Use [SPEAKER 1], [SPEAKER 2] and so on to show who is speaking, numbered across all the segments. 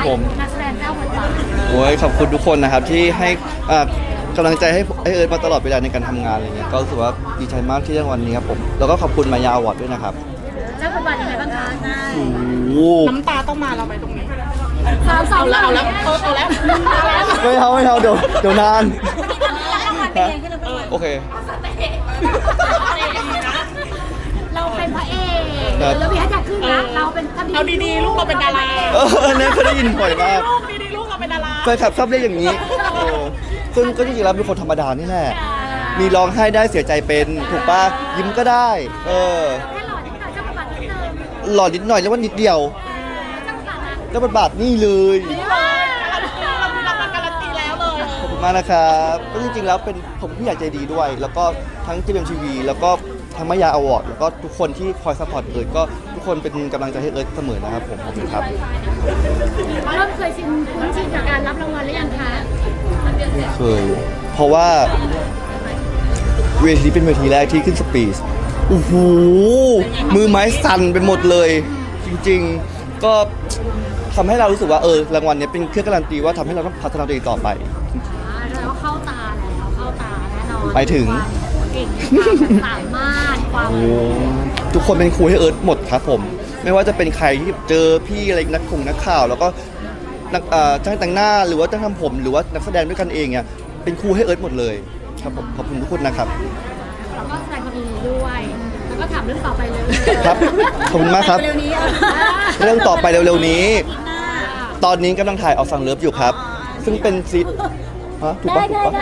[SPEAKER 1] ผม
[SPEAKER 2] นักแสดงเจ้าบทบาท
[SPEAKER 1] โอ้ยขอบคุณทุกคนนะครับที่ให้กำลังใจให้เอิร์ธมาตลอดเวลาในการทำงานอะไรเงี้ยก็รู้สึกว่าดีใจมากที่ได้รางวัลนี้ครับผมแล้วก็ขอบคุณมายาอวอร์ดด้วยนะครับ
[SPEAKER 2] เจ้าบทบาทยังไงบ้างคะ
[SPEAKER 1] โอ้โห
[SPEAKER 3] น้ำตาต้องมาเราไปตรงนี้
[SPEAKER 2] สาวๆ
[SPEAKER 3] เอาแล้วเอาแล้ว
[SPEAKER 1] ไม่เอาเดี๋ยวนานโอเค
[SPEAKER 2] เราเป็นพระเอก
[SPEAKER 1] ครับ
[SPEAKER 2] แล้วพี่ฮัทอยากขึ้นนะเราเป็น
[SPEAKER 3] เอาดีๆลูกเราเป็นดารา
[SPEAKER 1] อันนั้นเคยได้ยินบ่อยมาก
[SPEAKER 3] ลูกดีๆลูกเราเป็นดารา
[SPEAKER 1] แฟนคลับชอบเรียกอย่างนี้ซึ่งก็จริงๆแล้วเป็นคนธรรมดานี่แหละ มีร้องไห้ได้เสียใจเป็นถูกป่ะยิ้มก็ได้
[SPEAKER 2] แค่หล่อนิดหน่อยเจ้าบทบาทนิดนึง
[SPEAKER 1] หล่อนิดหน่อยแล้วว่านิดเดียว
[SPEAKER 2] เจ้าบทบาทนะ
[SPEAKER 1] เจ้าบทบาทนี่เลย
[SPEAKER 3] นี่เลยเรามีรางวัลการันตีแล้วเลย
[SPEAKER 1] ขอบคุณมากนะครับก็จริงๆแล้วเป็นผมผู้ใหญ่ใจดีด้วย แล้วก็ทั้ง GMMTV แล้วก็ทั้งมายาอวอร์ดแล้วก็ทุกคนที่คอยซัพพอร์ตเอิร์ธก็ทุกคนเป็นกำลังใจให้เอิร์ธเสมอนะครับผมขอบคุณครับ
[SPEAKER 2] เริ่มเคยชินคุ้นชินกับการรับรางวัลหรือยังคะ
[SPEAKER 1] เคยเพราะว่าเวทีเป็นเวทีแรกที่ขึ้นสปีชโอ้โหมือไม้สั่นไปหมดเลย จริงๆก็ทำให้เรารู้สึกว่ารางวัลนี้เป็นเครื่องการันตีว่าทำให้เราต้องพัฒนาตัวเองต่อไป
[SPEAKER 2] แล้วเข้าตาแล้วเข้าตาแน่นอน
[SPEAKER 1] ไปถึง
[SPEAKER 2] ความเก่งความสามารถความ
[SPEAKER 1] โอ้ทุกคนเป็นครูให้เอิร์ธหมดครับผม ไม่ว่าจะเป็นใครที่เจอพี่อะไรนักข่าว แล้วก็นักจ้างแต่งหน้าหรือว่าจ้างทำผมหรือว่านักแสดงด้วยกันเองเนี่ยเป็นครูให้เอิร์ธหมดเลยครับผมขอบคุณทุกคนนะครับ
[SPEAKER 2] แล้วก็แสดงความยินดีด้วย แล้วก็ถามเรื่องต่อไปเลย
[SPEAKER 1] ครับขอบคุณมากครับ
[SPEAKER 2] เร็วนี้อ่ะ
[SPEAKER 1] เรื่องต่อไปเร็วๆนี้ ตอนนี้กำลังถ่ายเอาซังเลิฟอยู่ครับ ซึ่งเป็นซีฮะถูกปะถูกปะ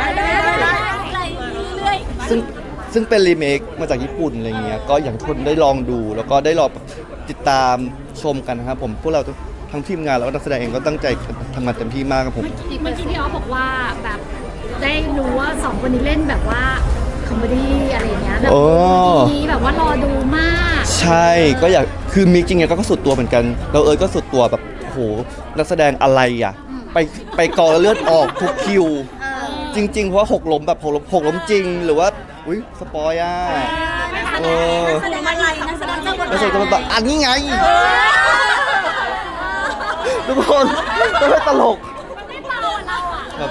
[SPEAKER 1] ซึ่งเป็นรีเมคมาจากญี่ปุ่นอะไรเงี้ย ก็อยากให้ทุกคนได้ลองดู แล้วก็ได้ลองติดตามชมกันนะครับผม พวกเราทั้งทีมงานแล้วก็นักแสดงเองก็ตั้งใจทำงานเต็มที่มากครับผม
[SPEAKER 2] เมื่อกี้พี่ออฟบอกว่าแบบได้รู้ว่าสองคนนี้เล่นแบบว่าคอมเมดี้อะไรอย่างเงี้ยแบบ
[SPEAKER 1] โอ้
[SPEAKER 2] ดีแบบว่ารอดูมาก
[SPEAKER 1] ใช่ก็อยากคือมิกจริงๆก็สุดตัวเหมือนกันเราเอิร์ธก็สุดตัวแบบโอ้โหนักแสดงอะไรอ่ะไปกองแล้วเลือดออกทุกคิว จริงๆเพราะว่าหกล้มแบบหกล้มจริงหรือว่าอุ้ยสปอยอ่ะเออ
[SPEAKER 2] แสดงอะไรนักแสดงเจ้าบท
[SPEAKER 1] แล้วเสร็จก็มาบอกอันนี้ไงทุกคนต้องให้ตลก
[SPEAKER 2] ไม่เบาเราอ่ะ
[SPEAKER 1] แบบ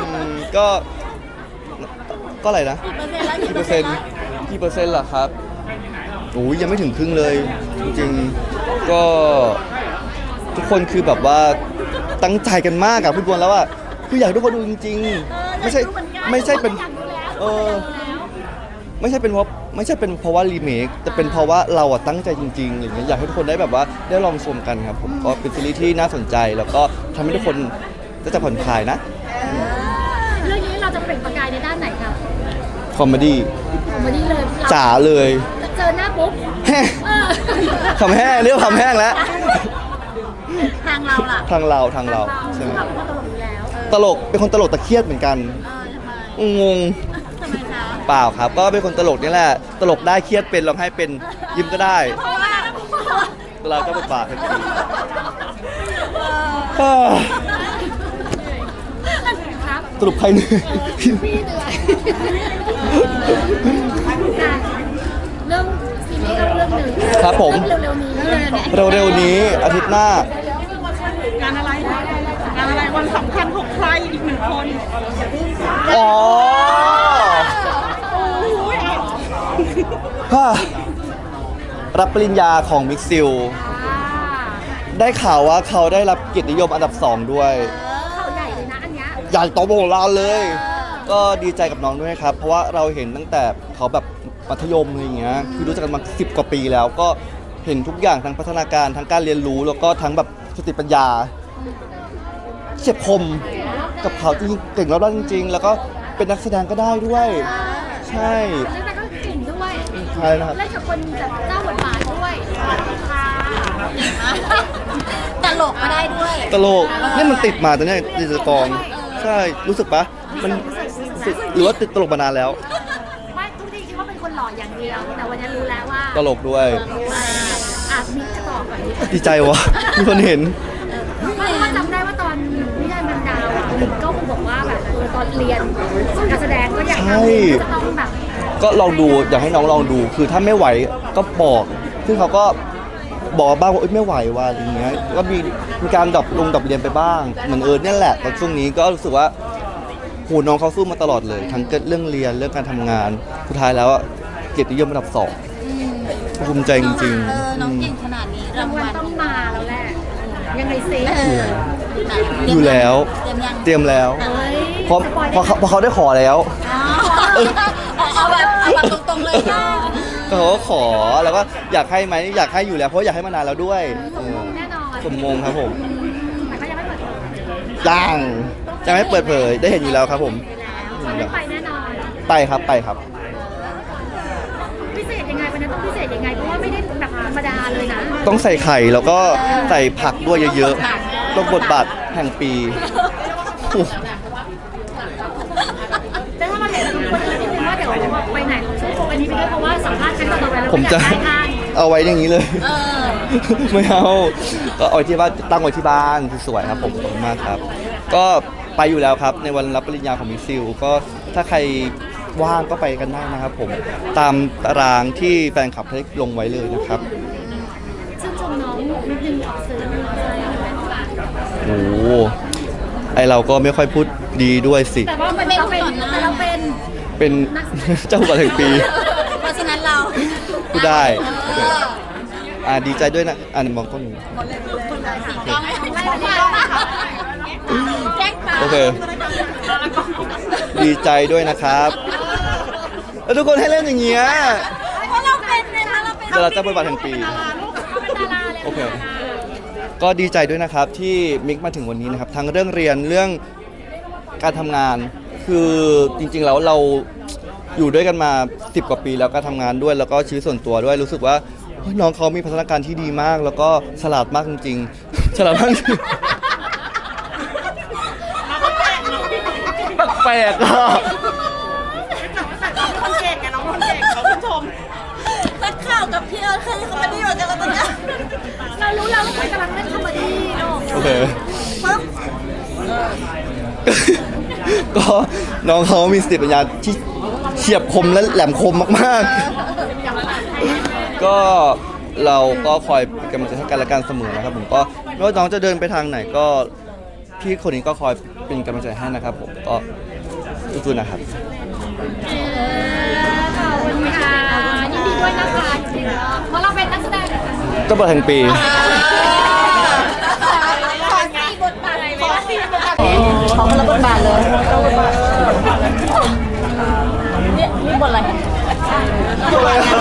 [SPEAKER 1] ก็อะไรนะกี่เปอร์เซ็นต์ล่ะครับโอ้ยยังไม่ถึงครึ่งเลย จริงๆก็ทุกคนคือแบบว่าตั้งใจกันมากอะพูดวนแล้วว่าคืออยากให้ทุกคนดูจริงๆไม่ใช่เป็นไม่ใช่เป็นเพราะว่ารีเมคแต่เป็นเพราะว่าเราอะตั้งใจจริงๆอะไรเงี้ยอยากให้ทุกคนได้แบบว่าได้ลองชมกันครับผมก็เป็นซีรีส์ที่น่าสนใจแล้วก็ทำให้ทุกคนจะผ่อนคลายนะ
[SPEAKER 2] เรื่องนี้เราจะเปล่งประกายในด้านไหนครับ
[SPEAKER 1] คอมเมดี้
[SPEAKER 2] คอมเมดี้เลย
[SPEAKER 1] จ๋าเลย
[SPEAKER 2] เจอหน้าปุ๊บ
[SPEAKER 1] แห้ง
[SPEAKER 2] เออ
[SPEAKER 1] คำแห้งเรียกว่าคำแห้งแล้ว
[SPEAKER 2] ทางเราล่ะ
[SPEAKER 1] ทางเราใช่ไหม
[SPEAKER 2] เราเป็นคนตลกอยู่แล้ว
[SPEAKER 1] ตลกเป็นคนตลกแต่เครียดเหมือนกัน
[SPEAKER 2] ทำไม
[SPEAKER 1] งง
[SPEAKER 2] ทำไมคะ
[SPEAKER 1] เปล่าครับ ก็เป็นคนตลกนี่แหละตลกได้เครียดเป็นร้องไห้เป็นยิ้มก็ได้
[SPEAKER 2] เพราะว่า
[SPEAKER 1] เราก็บทบาททันที
[SPEAKER 2] ครับ
[SPEAKER 1] สรุปใครเหนื่อย
[SPEAKER 2] พี่เหนื่อยเรื่องซีรีส์ก็เรื่องหนึ่ง
[SPEAKER 1] ครับผม
[SPEAKER 2] เร็วๆนี้
[SPEAKER 1] เร็วๆนี้อาทิตย์หน้า
[SPEAKER 3] งานอะไรงานอะไรวันสำคัญของใครอีกหนึ่งคน
[SPEAKER 1] อ๋อ
[SPEAKER 3] โอ้ย
[SPEAKER 1] ฮ่ารับปริญญาของมิกซิล ได้ข่าวว่าเขาได้รับเกียรตินิยมอันดับ 2 ด้วย
[SPEAKER 2] เขาใหญ่เลยนะอันเนี้ย
[SPEAKER 1] ใหญ่โตโมโหลานเลย ก็ดีใจกับน้องด้วยครับ เพราะว่าเราเห็นตั้งแต่เขาแบบมัธยมอะไรอย่างเงี้ย คือรู้จักกันมา10 กว่าปีแล้ว ก็เห็นทุกอย่างทั้งพัฒนาการทั้งการเรียนรู้แล้วก็ทั้งแบบสติปัญญาเฉียบคมกับเขาจริงๆเก่งแล้วจริงๆ แล้วก็เป็นนักแสดงก็ได้ด้วย ใช่
[SPEAKER 2] แล้วแต่ก็เก่งด้วย
[SPEAKER 1] ใช่นะครับ
[SPEAKER 2] เล่นกับคนแบบเจ้าบทบาทด้วยตลกก็ได้ด้วย
[SPEAKER 1] ตลกนี่มันติดมาตอนนี้ดิจิตอลใช่รู้สึกปะมันหรือว่าติดตลกมานานแล้ว
[SPEAKER 2] ไม่ทุกทีคิดว่าเป็นคนหล่ออย่างเดียว แต่วันนี้รู้แล้วว่า
[SPEAKER 1] ตลกด้วย
[SPEAKER 2] มิกจะตอบก่อนดิ
[SPEAKER 1] ดีใจวะมีคนเห็น
[SPEAKER 2] ไม่ว่าจำได้ว่าตอนนิทานบรรดาวมิกก็คงบอกว่าแบบตอนเรียนการแสดงก็อยากทำจะต้องแบบ
[SPEAKER 1] ก็ลองดูอยากให้น้องลองดู คือถ้าไม่ไหวก็บอกซึ่งเขาก็บอกบ้างว่าไม่ไหวว่ะอะไรเงี้ยก็มีการดรอปเรียนไปบ้างเหมือนเนี่ยแหละตอนช่วงนี้ก็รู้สึกว่าโหน้องเขาสู้มาตลอดเลยทั้งเรื่องเรียนเรื่องการทำงานสุดท้ายแล้วเกียรตินิยมระดับ2ภูมิใจจริง
[SPEAKER 4] น้องเก่งขนาดนี้
[SPEAKER 2] รางวัลต้องมาแล้วแหละยังไงซิ
[SPEAKER 1] ๆอยู่แล้ว
[SPEAKER 4] เตรียมยัง
[SPEAKER 1] เตรียมแล้ว
[SPEAKER 2] เอ้ย
[SPEAKER 1] เพราะ
[SPEAKER 2] สปอย
[SPEAKER 1] เพราะเขาได้ขอแล้ว
[SPEAKER 4] เอาแบบตรงๆเลยนะ
[SPEAKER 1] ก็เขาก็ขอแล้วก็อยากให้ไหมอยากให้อยู่แล้วเพราะอยากให้มานานแล้วด้วย
[SPEAKER 2] สมมงแน่นอน
[SPEAKER 1] สมมงครับผม
[SPEAKER 2] แต่ก็ยังไม่เปิดเผย
[SPEAKER 1] ยังจะไม่เปิดเผยได้เห็นอยู่แล้วครับผม
[SPEAKER 2] วันนี้ไปแน่นอน
[SPEAKER 1] ไปครับไปครับ
[SPEAKER 2] พิเศษยังไงวันนั้นต้องพิเศษยังไงเพราะว่าไม่ได้แบบธรรมดาเลยนะ
[SPEAKER 1] ต้องใส่ไข่แล้วก็ใส่ผักด้วยเยอะๆต้องบทบาทแห่งปีโอ้
[SPEAKER 2] แต่ถ้ามาเห็นคนอื่นนิดนึงว่าเดี๋ยวไปไหนช่วยโฟกัสนี้ไปด้วยเพราะว่าสัมภาษณ์ครั้งต่อไปแล้ว
[SPEAKER 1] ผมจะ
[SPEAKER 2] อยากได้ท่าน
[SPEAKER 1] เอาไว้อย่างนี้เลย ไม่เอาก็เอาไว้ที่บ้านตั้งไว้ที่บ้านสวยๆครับผมขอบคุณมากครับ ก็ไปอยู่แล้วครับในวันรับปริญญาของมิสซิลก็ถ้าใครว่างก็ไปกันได้นะครับผมตามตารางที่แฟนคลับได้ลงไว้เลยนะครับ
[SPEAKER 2] ชื่นชมน้องนิดนึงออกสื่อใช่
[SPEAKER 1] โอ้โหไอเราก็ไม่ค่อยพูดดีด้วยสิ
[SPEAKER 2] แต่ว่ามันเราเป็น
[SPEAKER 1] เป็น เจ้าบัตรแห่งปี
[SPEAKER 4] เพราะฉะนั้นเรา
[SPEAKER 1] พูดได้ ดีใจด้วยนะมองกล้องอยู่
[SPEAKER 4] ต้องให้ไม่ได้แจ้งปา
[SPEAKER 1] โอเค ดีใจด้วยนะครับ แล้วทุกคนให้เล่นอย่างเงี้ย
[SPEAKER 4] เพราะเราเป็นไงคะเราเป็น
[SPEAKER 1] เดี๋ยวเราจะบทบาทแห่งปี
[SPEAKER 2] เป็นดาราเลย
[SPEAKER 1] โอเค ก็ดีใจด้วยนะครับที่มิกมาถึงวันนี้นะครับ ทั้งเรื่องเรียนเรื่องการทำงาน คือจริงๆแล้วเราอยู่ด้วยกันมา10 กว่าปีแล้วการทำงานด้วยแล้วก็ชีวิตส่วนตัวด้วยรู้สึกว่าเฮ้ยน้องเขามีพัฒนาการที่ดีมาก แล้วก็ฉลาดมากจริงๆ ฉลาดมากจริงแปลกๆอ่ะ
[SPEAKER 3] คนเก่งไงน้องคนเก่งเขาชื่นชม
[SPEAKER 4] นักข่าวกับพี่เอิร์ธเคยเขาไม่ได้อยู่กันแล้วตอนเนี้ย
[SPEAKER 2] เรารู้แล้วว่าใครกำลังเล่นคอมเมดี้เนาะ
[SPEAKER 1] โอเค
[SPEAKER 4] ปึ๊บ
[SPEAKER 1] ก็น้องเขามีสติปัญญาที่เฉียบคมและแหลมคมมากๆ ก็เราก็คอยเป็นกำลังใจให้กันและกันเสมอนะครับผมก็ไม่ว่าน้องจะเดินไปทางไหนก็พี่คนนี้ก็คอยเป็นกำลังใจให้นะครับผมก็สู้ๆนะครับ
[SPEAKER 2] ขอบคุณค่ะยินดีด้วยนะคะเพราะเราเป็นนักแสดง
[SPEAKER 1] เจ้าบทแห่งปี
[SPEAKER 4] ขอสี่บทบาทอะไรไหมขอคนละบทบาทเลยนี่บทอะไร